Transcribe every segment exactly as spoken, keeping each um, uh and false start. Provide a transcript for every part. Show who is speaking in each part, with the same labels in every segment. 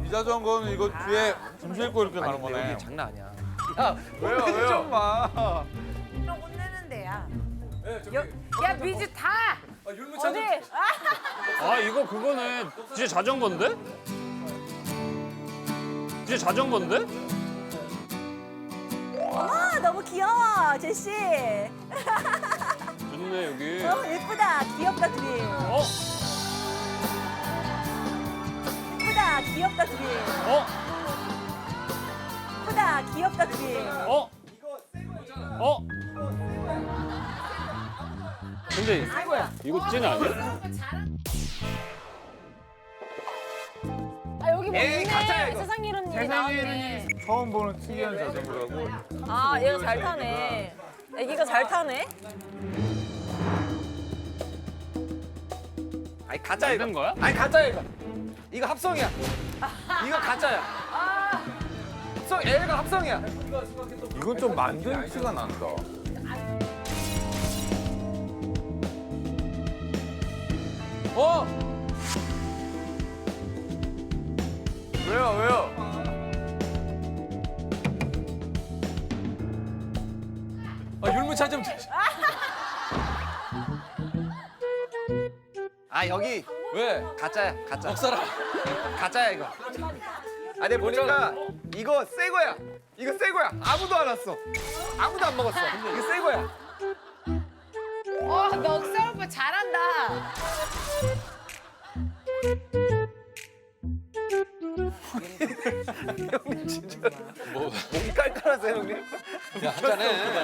Speaker 1: 이자전거는 이거 뒤에 짐 싣고 이렇게 가는 거네.
Speaker 2: 장난 아니야.
Speaker 3: 야, 왜요, 왜요? 좀 마.
Speaker 4: 그럼 혼내는 데야.
Speaker 3: 네, 저기.
Speaker 4: 여, 야 미주 타.
Speaker 3: 아, 율무차
Speaker 4: 어디?
Speaker 3: 좀.
Speaker 4: 아,
Speaker 5: 아 이거 그거네. 진짜 자전거인데? 진짜 자전거인데?
Speaker 6: 어머 너무 귀여워 제시.
Speaker 5: 좋네 여기.
Speaker 6: 어 예쁘다 귀엽다 둘이.
Speaker 5: 어?
Speaker 6: 예쁘다 귀엽다 둘이.
Speaker 5: 어?
Speaker 6: 예쁘다 귀엽다 둘이.
Speaker 5: 어? 어? 근데 이거 찐 아니야?
Speaker 7: 아 여기 뭐
Speaker 3: 에이, 가짜야,
Speaker 7: 있네.
Speaker 3: 이거.
Speaker 7: 세상 이런 일이 나왔네.
Speaker 1: 처음 보는 특이한 자전거라고.
Speaker 7: 아 얘가 잘 타네. 애기가 잘 타네.
Speaker 3: 아니, 가짜 이거.
Speaker 5: 만든 거야?
Speaker 3: 아니, 가짜 이거. 이거 합성이야. 이거 가짜야. 합성, 애가 합성이야.
Speaker 1: 이건 좀 만든 티가 난다.
Speaker 3: 어? 왜요, 왜요? 아, 율무차 좀. 아, 여기. 왜? 가짜야, 가짜. 먹사라. 가짜야, 이거. 아, 내가 보니까 이거 새 거야. 이거 새 거야. 아무도 안 왔어. 아무도 안 먹었어. 이거 새 거야.
Speaker 4: 어, 넉살 오빠 잘한다.
Speaker 3: 형님 진짜 뭐 목이 깔깔하세요, 형님? 야, 한잔해.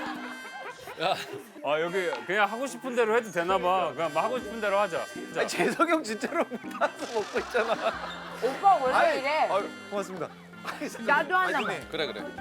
Speaker 5: 아 여기 그냥 하고 싶은 대로 해도 되나 봐. 그냥 뭐 하고 싶은 대로 하자. 진짜.
Speaker 3: 아니, 재석이 형 진짜로 따서 먹고 있잖아.
Speaker 4: 오빠 원래
Speaker 3: 아이,
Speaker 4: 이래.
Speaker 3: 아유, 고맙습니다. 아니, 잠깐만.
Speaker 4: 나도 하나만.
Speaker 3: 아니, 그래, 그래.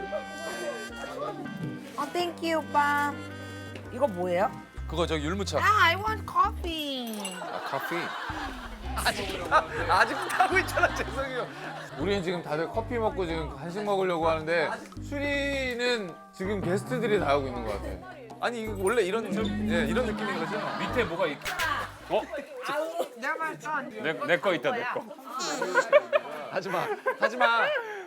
Speaker 4: 어, 땡큐 오빠. 이거 뭐예요?
Speaker 3: 그거 저 율무차.
Speaker 4: 아, I want coffee.
Speaker 3: 아, 커피. 아직, 타, 아직도 타고 있잖아, 재석이 형.
Speaker 1: 우리는 지금 다들 커피 먹고 지금 간식 먹으려고 하는데 수리는 지금 게스트들이 다 하고 있는 것 같아.
Speaker 3: 아니, 이거 원래 이런, 예, 이런 느낌인 거죠?
Speaker 5: 밑에 뭐가 있? 어?
Speaker 4: 내가 봤어.
Speaker 5: 내 거 있다 내 거.
Speaker 3: 하지 마, 하지 마.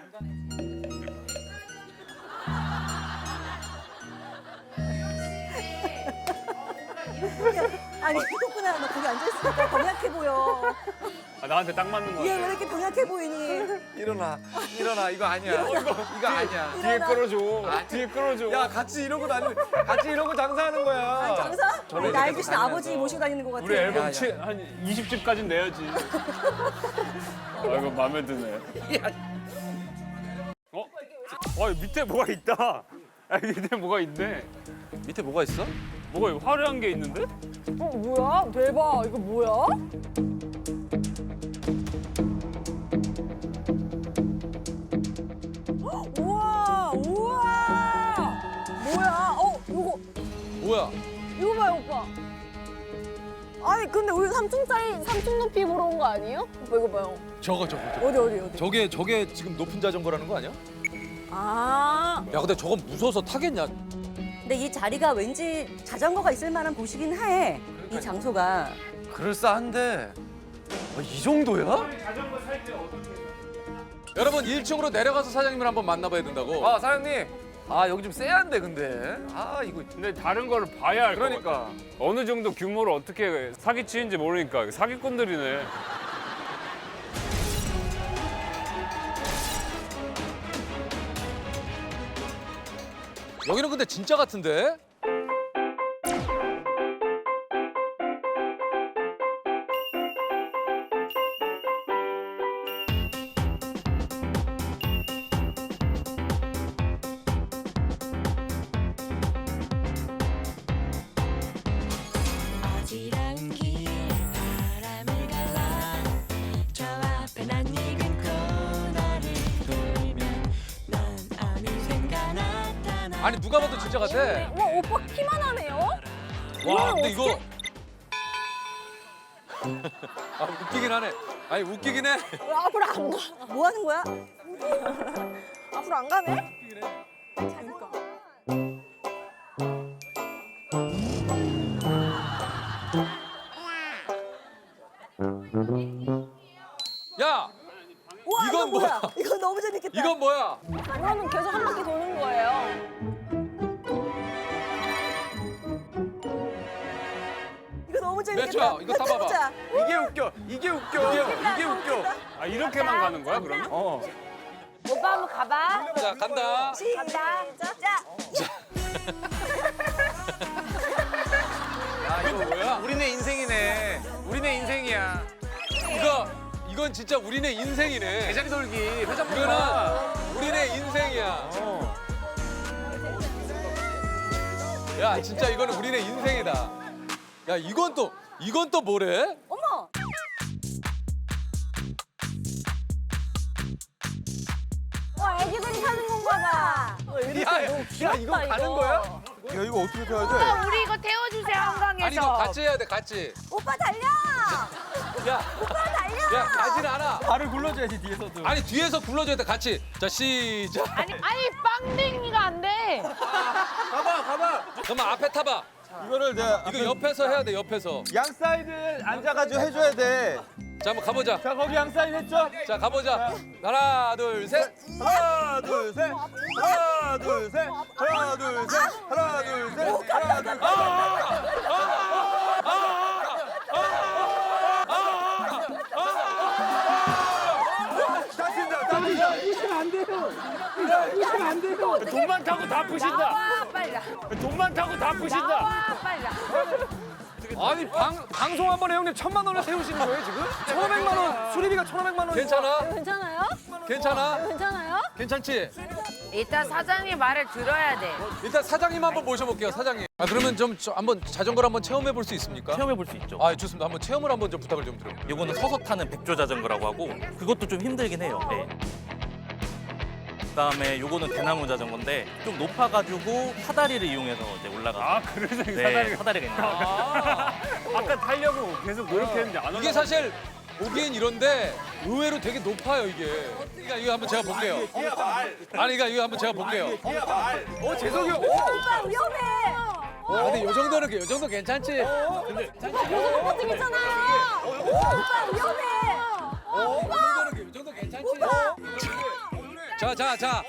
Speaker 6: 아니 이거구나 너 거기 앉아있으니까 병약해 보여.
Speaker 5: 아, 나한테 딱 맞는 거
Speaker 6: 얘 왜
Speaker 5: 같아.
Speaker 6: 이렇게 병약해 보이니?
Speaker 3: 일어나, 일어나. 이거 아니야. 이거 아니야.
Speaker 5: 뒤에 끌어줘. 뒤에 끌어줘.
Speaker 3: 야, 같이 이러고 다니, 같이 이러고 장사하는 거야.
Speaker 6: 장사?
Speaker 3: 저를
Speaker 6: 나이
Speaker 3: 이렇게
Speaker 6: 드신
Speaker 3: 다니면서.
Speaker 6: 아버지 모시고 다니는 것 같아.
Speaker 5: 우리 앨범
Speaker 3: 야, 야.
Speaker 5: 치, 한 이십 집까지 내야지. 아 이거 마음에 드네. 어? 어 밑에 뭐가 있다. 아 밑에 뭐가 있네.
Speaker 3: 밑에 뭐가 있어?
Speaker 5: 뭐가 화려한 게 있는데?
Speaker 7: 어 뭐야? 대박. 이거 뭐야?
Speaker 6: 우와 우와.
Speaker 7: 뭐야? 어 이거
Speaker 3: 뭐야?
Speaker 7: 이거 봐요 오빠. 아니 근데 우리 삼 층짜리 삼 층 높이 보러 온 거 아니에요? 오빠 이거 봐요.
Speaker 3: 저거, 저거, 저거.
Speaker 7: 어디 어디 어디?
Speaker 3: 저게, 저게 지금 높은 자전거라는 거 아니야?
Speaker 7: 아.
Speaker 3: 야, 근데 저건 무서워서 타겠냐?
Speaker 6: 근데 이 자리가 왠지 자전거가 있을 만한 곳이긴 해. 이 장소가.
Speaker 3: 그럴싸한데 아, 이 정도야? 여러분 일 층으로 내려가서 사장님을 한번 만나봐야 된다고. 아 사장님, 아 여기 좀 쎄한데 근데. 아 이거
Speaker 5: 근데 다른 거를 봐야 알 것 같아.
Speaker 3: 그러니까.
Speaker 5: 어느 정도 규모를 어떻게 사기치는지 모르니까 사기꾼들이네.
Speaker 3: 여기는 근데 진짜 같은데?
Speaker 8: 어지러운 길 바람을 갈라 저 앞에 난 익은 코너를 돌면 넌 어느샌가 나타나.
Speaker 3: 아니 누가 봐도 진짜 같아.
Speaker 7: 와 오빠 키만 하네요?
Speaker 3: 와 근데 이거 아 웃기긴 하네. 아니 웃기긴 해.
Speaker 7: 왜 앞으로 안 가?
Speaker 6: 뭐 하는 거야?
Speaker 7: 앞으로 안 가네?
Speaker 3: 야,
Speaker 6: 와,
Speaker 3: 이건
Speaker 6: 이건 뭐야?
Speaker 3: 뭐야?
Speaker 6: 이거 너무 재밌겠다.
Speaker 3: 이건 뭐야?
Speaker 7: 그러면 계속 한 바퀴 도는 거예요.
Speaker 6: 이거 너무 재밌겠다.
Speaker 3: 몇 초야? 이거 타봐봐.
Speaker 6: 해보자.
Speaker 3: 이게 웃겨. 이게 웃겨. 이게 웃겨.
Speaker 5: 아 이렇게만 가는 거야 그러면?
Speaker 3: 어.
Speaker 7: 오빠 한번 가봐.
Speaker 3: 자 간다.
Speaker 6: 시작. 자,
Speaker 3: 야 이거 뭐야? 우리네 인생이네. 우리네 인생이야. 이거 이건 진짜 우리네 인생이네. 제자리 돌기. 회전 이거는 우리네 인생이야. 야 진짜 이거는 우리네 인생이다. 야 이건 또 이건 또 뭐래?
Speaker 6: 어머.
Speaker 7: 와, 애기들이 타는 건가 봐.
Speaker 3: 야, 야 이거 가는 거야?
Speaker 2: 야 이거 어떻게 타야 돼?
Speaker 4: 오빠 우리 이거 태워주세요 한강에서.
Speaker 3: 아니 이거 같이 해야 돼 같이.
Speaker 6: 오빠 달려.
Speaker 3: 야,
Speaker 6: 오빠 달려.
Speaker 3: 야 가진 않아.
Speaker 5: 발을 굴러줘야지 뒤에서도.
Speaker 3: 아니 뒤에서 굴러줘야 돼 같이. 자 시작.
Speaker 4: 아니 아니 빵댕이가 안 돼.
Speaker 3: 가봐 가봐. 그러면 앞에 타봐.
Speaker 2: 이거를 내가
Speaker 3: 이거 옆에서 해야 돼 옆에서.
Speaker 2: 양 사이드 앉아가지고 해줘야 돼.
Speaker 3: 자 한번 가보자.
Speaker 2: 자 거기 양 사이드 했죠?
Speaker 3: 자 가보자. 하나 둘 셋.
Speaker 2: 하나 둘 셋. 하나 둘 셋. 하나 둘 셋. 하나 둘 셋. 하나 둘 셋. 다친다 다친다.
Speaker 5: 돈만 타고 다 푸신다.
Speaker 4: 나와 빨리 나.
Speaker 5: 돈만 타고 다 푸신다.
Speaker 4: 나와 빨리 나.
Speaker 3: 아니 방 방송 한 번에 형님 천만 원을 세우시는 거예요 지금? 천오백만 원 수리비가 천오백만 원. 괜찮아?
Speaker 7: 괜찮아요?
Speaker 3: 괜찮아?
Speaker 7: 괜찮아요?
Speaker 3: 괜찮지?
Speaker 4: 일단 사장님 말을 들어야 돼.
Speaker 3: 일단 사장님 한번 모셔볼게요 사장님. 아 그러면 좀 저, 한번 자전거를 한번 체험해 볼 수 있습니까?
Speaker 9: 체험해 볼 수 있죠.
Speaker 3: 아 좋습니다. 한번 체험을 한번 좀 부탁을 좀 드려요.
Speaker 9: 요거는 서서 타는 백조 자전거라고 하고 그것도 좀 힘들긴 해요. 네. 그다음에 요거는 대나무 자전거인데 좀 높아가지고 사다리를 이용해서 이제 올라가서
Speaker 5: 아 그래서 이
Speaker 9: 네,
Speaker 5: 사다리가.
Speaker 9: 사다리가 있는 거예요.
Speaker 3: 아
Speaker 5: 아까 타려고 계속 노력했는데 안 올라.
Speaker 3: 이게 사실 보기엔 이런데 의외로 되게 높아요 이게. 그러니까 이거 한번 제가 볼게요. 아니 그러니까 이거 한번 제가 볼게요. 어 재석이 형.
Speaker 6: 오빠 위험해.
Speaker 3: 아 근데 요 정도는 요 정도 괜찮지? 근데
Speaker 7: 계속 버티겠잖아요.
Speaker 6: 오빠 위험해.
Speaker 3: 요 정도는 요 정도 괜찮지? 자 자 자.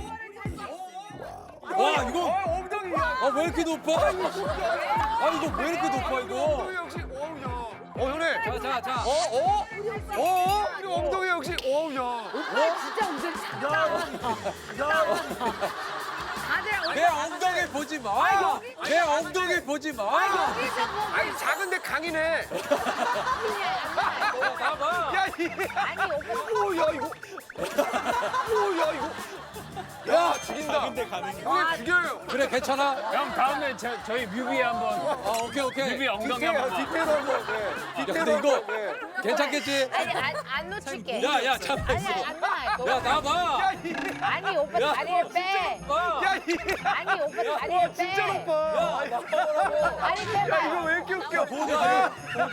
Speaker 3: 와 이거 아 왜 이렇게 높아? 아 이거 왜 이렇게 높아 이거? 어 형님. 자자 자. 어 어? 어? 이거 엉덩이 역시 어우 야.
Speaker 4: 오빠 진짜 운전 잘한다. 다들
Speaker 3: 내 엉덩이 보지 마. 내 엉덩이 보지 마.
Speaker 4: 여기서 뭐
Speaker 3: 아니 작은데 강이네. 봐봐. 야 이.
Speaker 4: 아니 오빠
Speaker 3: 오야 이거. 오야 이거. 야 죽인다. 근데 가는 게. 형님 죽여요. 그래 괜찮아?
Speaker 5: 형 다음에 저, 저희 뮤비에 한번
Speaker 3: 아 오케이 오케이.
Speaker 5: 뮤비 엉덩이 한번.
Speaker 3: 디테일 한번. 야 근데 이거 괜찮겠지?
Speaker 4: 아니 안, 안 놓칠게.
Speaker 3: 야야 잠깐
Speaker 4: 아니
Speaker 3: 있어.
Speaker 4: 안 놔.
Speaker 3: 야 나봐.
Speaker 4: 아니 오빠
Speaker 3: 야.
Speaker 4: 다리를 빼.
Speaker 3: 야 이.
Speaker 4: 아니 오빠 다리를 빼.
Speaker 3: 진짜 높아.
Speaker 4: 다리 빼봐.
Speaker 3: 이거 왜 이렇게 웃겨? 보호대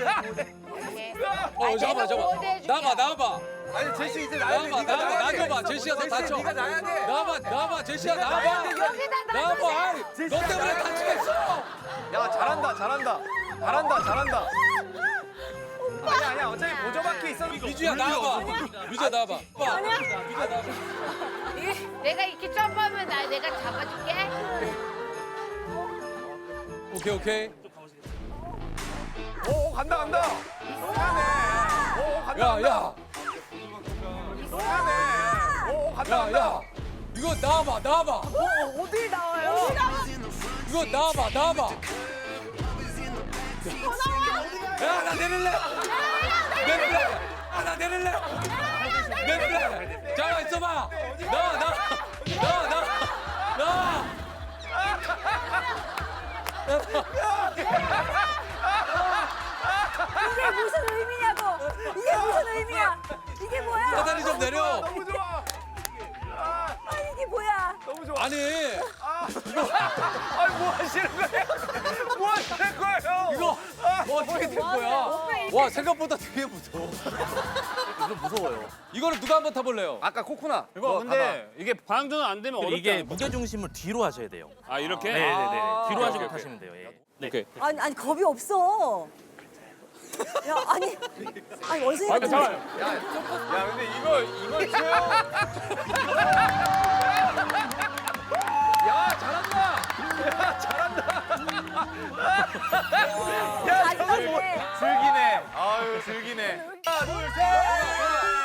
Speaker 3: 어 잠깐만 잠깐만. 나봐 나봐.
Speaker 2: 아니 제시 이제
Speaker 3: 나봐 나봐 나줘봐. 제시야 너 다쳐.
Speaker 2: 네가 나야 돼.
Speaker 3: 나봐 나봐 제시야 나봐.
Speaker 4: 여기다
Speaker 3: 나봐.
Speaker 4: 놔.
Speaker 3: 아이, 너 때문에 다치겠어.
Speaker 2: 야 잘한다 잘한다. 잘한다 잘한다. 아니야 아니야 어차피 보조바퀴 있어.
Speaker 3: 미주야 나와봐. 미주야 나와봐. 아니야. 미주야 나와봐.
Speaker 4: 내가 이렇게 점프하면 나 내가 잡아줄게.
Speaker 3: 오케이 오케이.
Speaker 2: 오 간다 간다. 이상하네. 오 간다
Speaker 3: 야
Speaker 2: 간다.
Speaker 3: 야.
Speaker 2: 이상하네. 오 간다
Speaker 3: 야
Speaker 2: 간다.
Speaker 3: 야. 이거 나와봐 나와봐.
Speaker 4: 어디 나와요?
Speaker 3: 이거 나와봐 나와봐. 야 나 내릴래. 내릴래. 아나 내릴래. 내릴래. 잠깐 있어봐. 나와 나와 나와 나와 나와.
Speaker 6: 이게 무슨 의미냐고. 이게 무슨 의미야. 이게 뭐야.
Speaker 3: 사다리 좀 내려.
Speaker 2: 너무 좋아.
Speaker 6: 아니 이게 뭐야.
Speaker 2: 너무 좋아.
Speaker 3: 아니
Speaker 2: 아니 뭐 하시는 거예요? 뭐 하시는 거예요?
Speaker 3: 이거 뭐 어떻게 된 거야? 와 생각보다 되게 무서워.
Speaker 9: 좀 무서워요.
Speaker 3: 이거는 누가 한번 타볼래요?
Speaker 2: 아까 코코나.
Speaker 5: 이거 근데 이게 방전은 안 되면 어렵다.
Speaker 9: 이게 무게 중심을 뒤로 하셔야 돼요.
Speaker 5: 아 이렇게?
Speaker 9: 네네네.
Speaker 3: 아,
Speaker 9: 뒤로
Speaker 3: 오케이,
Speaker 9: 하시고
Speaker 3: 오케이.
Speaker 9: 타시면 돼요. 예. 네.
Speaker 3: 오케이.
Speaker 6: 아니 아니 겁이 없어. 야 아니 아니 원숭이
Speaker 5: 아니
Speaker 6: 같은
Speaker 5: 잠깐.
Speaker 1: 야 근데 이거 이걸 채워?
Speaker 3: 야 잘한다. 야 잘한다.
Speaker 6: 아 이건데
Speaker 1: 즐기네. 아유 즐기네.
Speaker 2: 하나, 둘, 셋.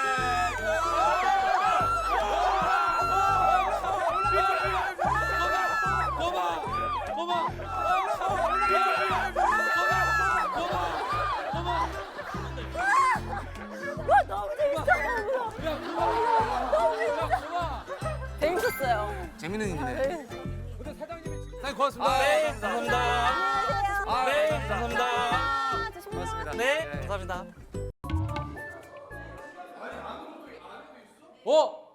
Speaker 7: 와 너무 재밌어. 너무 재밌어. 재밌었어요.
Speaker 3: 재밌는 일이네.
Speaker 1: 사장님 고맙습니다.
Speaker 9: 네, 감사합니다.
Speaker 3: 아,
Speaker 9: 네, 감사합니다.
Speaker 7: 아, 조심히
Speaker 3: 고맙습니다.
Speaker 9: 네, 감사합니다.
Speaker 2: 어?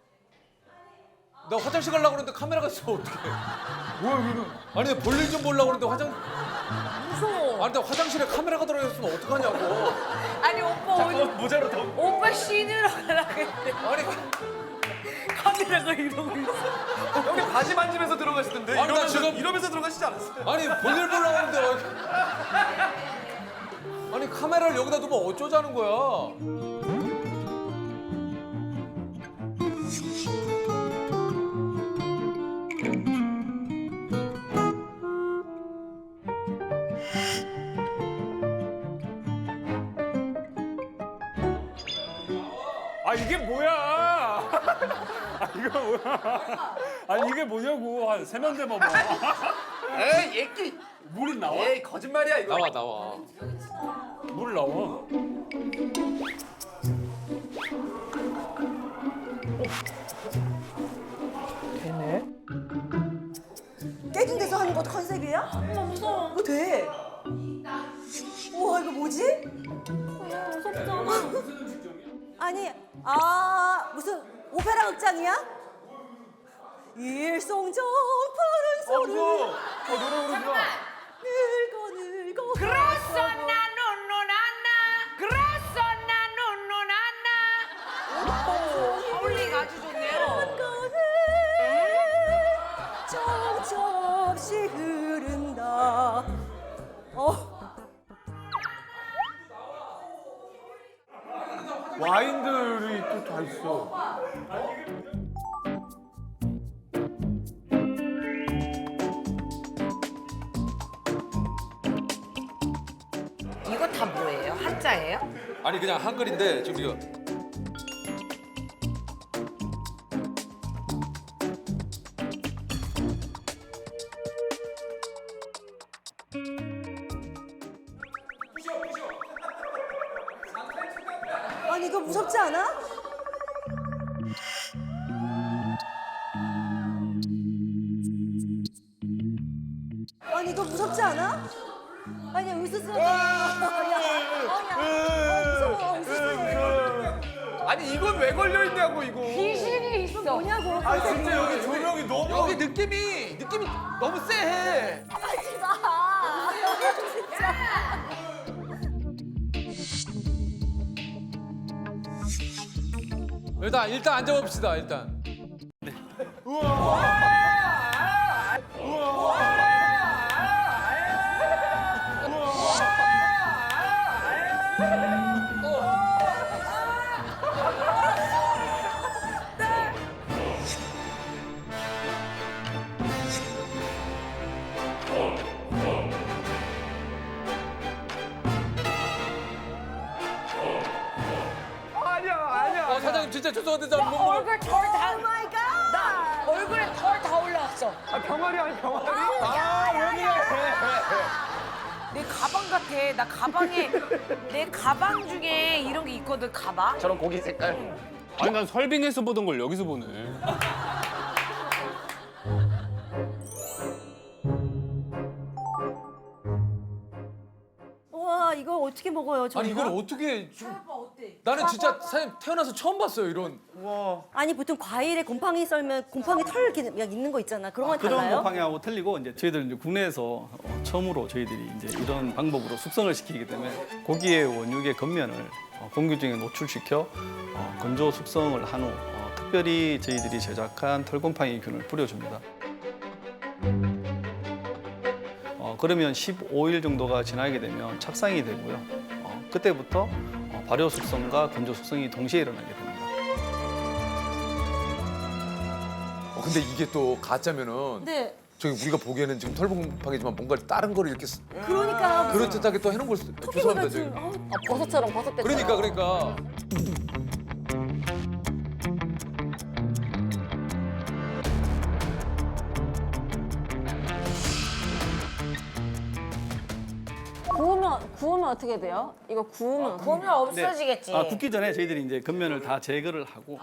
Speaker 2: 나 화장실 가려고 그러는데 카메라가 있어 어떡해. 뭐야 여기는. 아니 내가 볼일 좀 보려고 그러는데 화장. 무서워. 아니 나 화장실에 카메라가 들어있으면 어떡하냐고.
Speaker 4: 아니 오빠 오늘
Speaker 2: 모자로 더.
Speaker 4: 오빠 씻으러 가려고 했는데
Speaker 2: 아니
Speaker 4: 카메라가 이러고 있어.
Speaker 3: 형님 바지 만지면서 들어가시던데.
Speaker 2: 아니, 나
Speaker 3: 이러면서,
Speaker 2: 지금-
Speaker 3: 이러면서 들어가시지 않았어요?
Speaker 2: 아니 볼일 보려고 하는데 왜- 아니 카메라를 여기다 두면 어쩌자는 거야.
Speaker 5: 아 이게 뭐야? 아 이거 뭐야? 아니 이게 뭐냐고 한 세면대 봐봐.
Speaker 3: 에이 얘끼.
Speaker 5: 물이 나와?
Speaker 3: 에이 거짓말이야 이거.
Speaker 2: 나와 나와.
Speaker 5: 물 나와.
Speaker 6: 깨진 데서 하는 것도 컨셉이야? 엄마 무서워. 이거 돼. 우와 이거 뭐지?
Speaker 7: 무섭잖아.
Speaker 6: 아니 아 무슨 오페라 극장이야? 일송정 푸른 소리
Speaker 2: 어 노래 부르지 마.
Speaker 6: 늙어 늙어
Speaker 4: 그렇소 나 눈누난나 그렇소 나 눈누난나 어울리가 아주 좋네요.
Speaker 6: 정처없이 흐른다. 어
Speaker 1: 와인들이 또 다 있어.
Speaker 4: 이거 다 뭐예요? 한자예요?
Speaker 2: 아니 그냥 한글인데 지금 이거.
Speaker 6: 아니 이거 무섭지 않아? 아니 이거 무섭지 않아? 아니 으스스. 무서워 으스스.
Speaker 3: 아니 이건 왜 걸려 있냐고 이거.
Speaker 4: 귀신이 있어.
Speaker 6: 뭐냐고.
Speaker 1: 아 진짜 여기 조명이 너무.
Speaker 3: 여기 느낌이 느낌이 너무 쎄해.
Speaker 6: 하지 마. 진짜.
Speaker 2: 일단 일단 앉아봅시다 일단.
Speaker 3: 아니야 아니야.
Speaker 2: 어 사장님 진짜 죄송한데 저는 못 먹어.
Speaker 4: 얼굴 털다 나 얼굴에 털 다 올라왔어.
Speaker 3: 아 병아리 아니 병아리.
Speaker 2: 아왜 그래?
Speaker 4: 내 가방 같아. 나 가방에 내 가방 중에 이런 게 있거든. 가방.
Speaker 3: 저런 고기 색깔.
Speaker 5: 아니 난 설빙에서 보던 걸 여기서 보네.
Speaker 6: 와 이거 어떻게 먹어요? 저
Speaker 2: 아니 이걸 어떻게 좀... 나는 진짜 사장님 태어나서 처음 봤어요 이런.
Speaker 6: 아니 보통 과일에 곰팡이 썰면 곰팡이 털 이렇게 그냥 있는 거 있잖아. 그런 건
Speaker 10: 그런
Speaker 6: 달라요?
Speaker 10: 곰팡이하고 틀리고 이제 저희들 이제 국내에서 어, 처음으로 저희들이 이제 이런 방법으로 숙성을 시키기 때문에 고기의 원육의 겉면을 어, 공기중에 노출시켜 어, 건조 숙성을 한 후 어, 특별히 저희들이 제작한 털곰팡이균을 뿌려줍니다. 어, 그러면 십오 일 정도가 지나게 되면 착상이 되고요. 어, 그때부터 어, 발효 숙성과 건조 숙성이 동시에 일어나게 됩니다.
Speaker 2: 어, 근데 이게 또 가짜면은
Speaker 6: 네.
Speaker 2: 저기 우리가 보기에는 지금 털봉팡이지만 뭔가 다른 거를 이렇게 쓰-
Speaker 6: 그러니까.
Speaker 2: 그럴듯하게 또 해놓은 걸 수도. 죄송합니다 저기.
Speaker 6: 같은. 어,
Speaker 7: 아, 버섯처럼 버섯대처럼.
Speaker 2: 그러니까 그러니까.
Speaker 7: 구우면 구우면 어떻게 돼요? 이거 구우면 어떻게
Speaker 4: 보면 없어지겠지.
Speaker 10: 아, 굽기 전에 저희들이 이제 겉면을 다 제거를 하고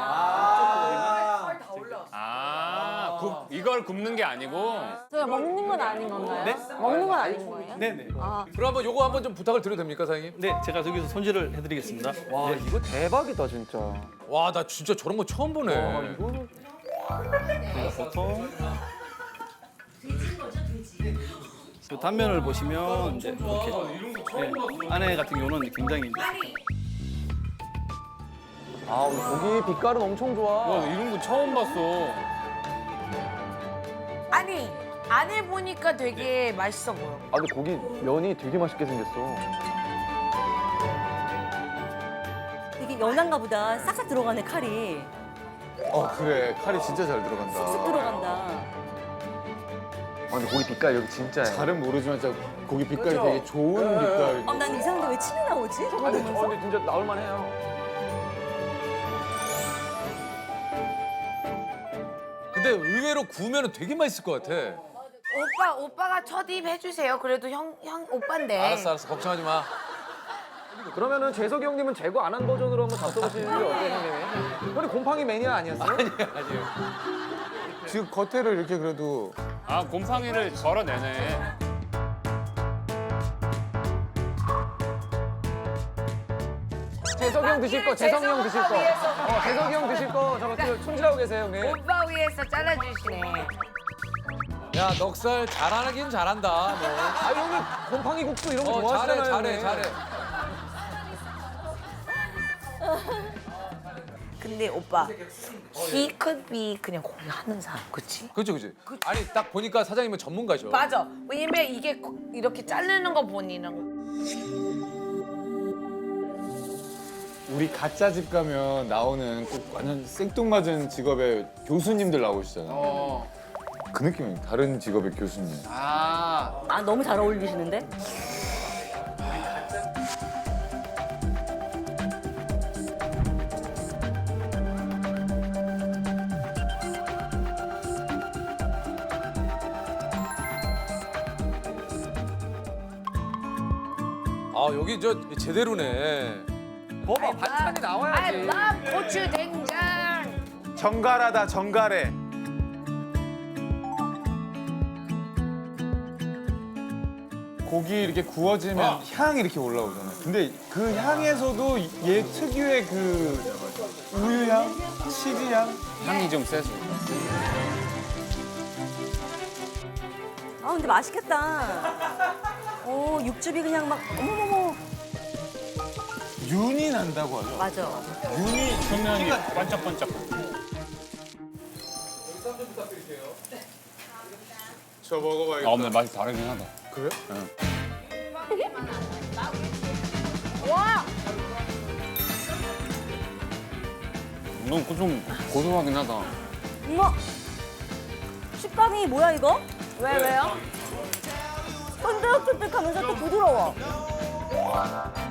Speaker 5: 아, 굽, 이걸 굽는 게 아니고.
Speaker 7: 저희가 먹는 건 아닌 건가요?
Speaker 10: 네?
Speaker 7: 먹는 건 아닌 거예요?
Speaker 10: 네네.
Speaker 2: 그럼 한번 요거 한번 좀 부탁을 드려도 됩니까 사장님?
Speaker 10: 네, 제가 저기서 손질을 해드리겠습니다.
Speaker 3: 와
Speaker 10: 네.
Speaker 3: 이거 대박이다 진짜.
Speaker 2: 와 나 진짜 저런 거 처음 보네.
Speaker 3: 이거는
Speaker 10: 보통 그 단면을 보시면 이제 이렇게 네, 안에 같은 경우는 굉장히 이제
Speaker 3: 아 우리 고기 빛깔은 엄청 좋아.
Speaker 5: 와, 이런 거 처음 봤어.
Speaker 4: 아니 안에 보니까 되게 맛있어 보여.
Speaker 3: 아 근데 고기 면이 되게 맛있게 생겼어.
Speaker 6: 되게 연한가 보다. 싹싹 들어가네 칼이.
Speaker 1: 어 그래 칼이 진짜 잘 들어간다.
Speaker 6: 쑥 들어간다.
Speaker 3: 아 근데 고기 빛깔 여기 진짜야.
Speaker 1: 잘은 모르지만 진짜 고기 빛깔이
Speaker 3: 그죠?
Speaker 1: 되게 좋은 빛깔.
Speaker 6: 아, 난 이상한데 왜 침이 나오지? 저거
Speaker 3: 아니
Speaker 6: 보면서.
Speaker 3: 저 근데 진짜 나올만 해요.
Speaker 2: 근데 의외로 구우면 되게 맛있을 것 같아.
Speaker 4: 오빠 오빠가 첫 입 해주세요. 그래도 형 형 오빠인데.
Speaker 2: 알았어 알았어 걱정하지 마.
Speaker 3: 그러면은 재석이 형님은 제거 안 한 버전으로 한번 잡숴보시는 게 어때요 형님? 형님 곰팡이 매니아 아니었어요?
Speaker 2: 아니야 아니에요.
Speaker 1: 지금 겉에를 이렇게 그래도
Speaker 5: 아, 곰팡이를 걸어내네.
Speaker 3: 재석이 형 드실 거, 재석이 형 드실 거. 어, 재석이 형 드실 거 저거 또 손질하고 계세요 형님.
Speaker 4: 오빠 위해서 잘라주시네.
Speaker 2: 야 넉살 잘하긴 잘한다. 뭐.
Speaker 3: 아 형님 곰팡이 국수 이런 거
Speaker 2: 어
Speaker 3: 좋아하잖아요.
Speaker 2: 잘해 잘해
Speaker 3: 형님.
Speaker 2: 잘해.
Speaker 4: 근데 오빠 he could be 그냥 고기 하는 사람, 그치?
Speaker 2: 그렇죠 그렇지. 아니 딱 보니까 사장님은 전문가죠.
Speaker 4: 맞아. 왜냐면 이게 고- 이렇게 자르는 거 보니는
Speaker 1: 우리 가짜 집 가면 나오는 꼭 완전 생뚱맞은 직업의 교수님들 나오시잖아.
Speaker 2: 어.
Speaker 1: 그 느낌이 다른 직업의 교수님.
Speaker 2: 아.
Speaker 6: 아, 너무 잘 어울리시는데?
Speaker 2: 아 여기 저 제대로네.
Speaker 3: 봐봐 반찬이
Speaker 4: I
Speaker 3: 나와야지.
Speaker 4: love 고추 된장.
Speaker 1: 정갈하다 정갈해. 고기 이렇게 구워지면 향이 이렇게 올라오잖아. 근데 그 향에서도 얘 특유의 그 우유 향, 치즈 향.
Speaker 5: 향이 좀 세서.
Speaker 6: 아, 근데 맛있겠다. 오, 육즙이 그냥 막, 어머머머.
Speaker 1: 윤이 난다고 하죠.
Speaker 6: 맞아.
Speaker 1: 윤이
Speaker 5: 표면이 반짝반짝.
Speaker 1: 저 먹어봐야겠다.
Speaker 5: 아, 근데 맛이 다르긴 하다.
Speaker 1: 그래?
Speaker 4: 와.
Speaker 5: 너무 좀 고소하긴 하다.
Speaker 6: 어머! 식감이 뭐야, 이거?
Speaker 4: 왜 왜요?
Speaker 6: 쫀득쫀득하면서 또 부드러워.